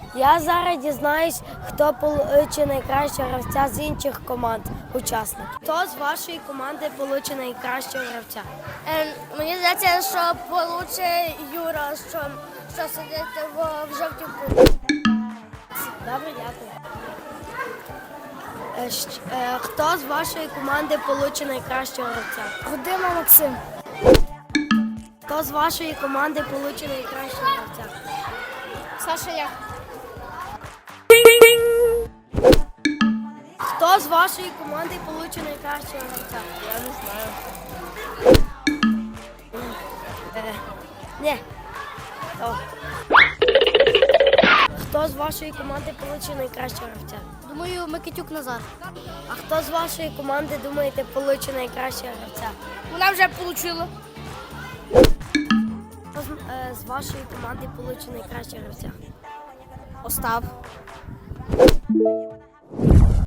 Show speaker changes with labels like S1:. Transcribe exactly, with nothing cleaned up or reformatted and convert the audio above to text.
S1: Я зараз дізнаюсь, хто получить найкращого гравця з інших команд учасників. Хто з вашої команди получить найкращого гравця?
S2: Ем, мені здається, що получить Юра, що, що сидить в, в жовтій куртці.
S1: Добре, дякую. Е, щ- е, Хто з вашої команди получить найкращого гравця?
S2: Гудима Максим.
S1: Хто з вашої команди получить найкращого гравця?
S2: Саша я.
S1: Хто з вашої команди получить найкращого гравця?
S2: Я не знаю.
S1: Е, Ні. Хто? Хто з вашої команди получить найкращого гравця?
S2: Думаю, Микитюк Назар.
S1: А хто з вашої команди, думаєте, получить найкращого гравця?
S2: Вона вже отримала.
S1: Хто з, е, з вашої команди получить найкращого гравця?
S2: Остап.